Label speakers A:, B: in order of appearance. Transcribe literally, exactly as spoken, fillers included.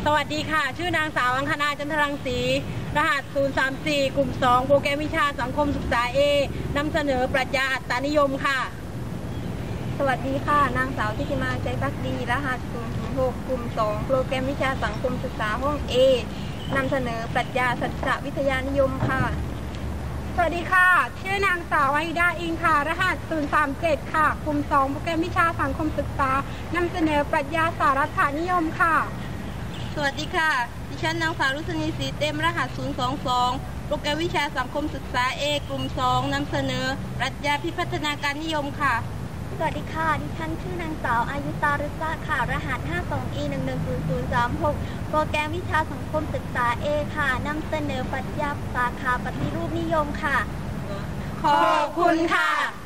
A: สวัสดีค่ะชื่อนางสาวอังคณาจันทรังสีรหัสศูนย์ สาม สี่กลุ่มสองโปรแกรมวิชาสังคมศึกษา เอ นำเสนอปรัชญาอัตตานิยมค่ะ
B: สวัสดีค่ะนางสาวทิติมาใจพักดีรหัสศูนย์ ศูนย์ หกกลุ่มสองโปรแกรมวิชาสังคมศึกษาห้อง เอ นำเสนอปรัชญาสัจจวิทยานิยมค่ะ
A: สวัสดีค่ะชื่อนางสาววาฮิดาอิงค่ะรหัสศูนย์ สาม เจ็ดค่ะกลุ่มสองโปรแกรมวิชาสังคมศึกษานำเสนอปรัชญาสารัฐานิยมค่ะ
B: สวัสดีค่ะดิฉันนางสาวรุษณีศรีเต็มรหัสศูนย์ สอง สองโปรแกรมวิชาสังคมศึกษา เอ กลุ่มสองนำเสนอปรัชญาพิพัฒนาการนิยมค่ะ
C: สวัสดีค่ะดิฉันชื่อนางสาวอายุตารุษะค่ะรหัส ห้า สอง อี หนึ่ง หนึ่ง ศูนย์ ศูนย์ สาม หกโปรแกรมวิชาสังคมศึกษา เอ ค่ะนำเสนอปรัชญาสาขาปฏิรูปนิยมค่ะ
A: ขอบคุณค่ะ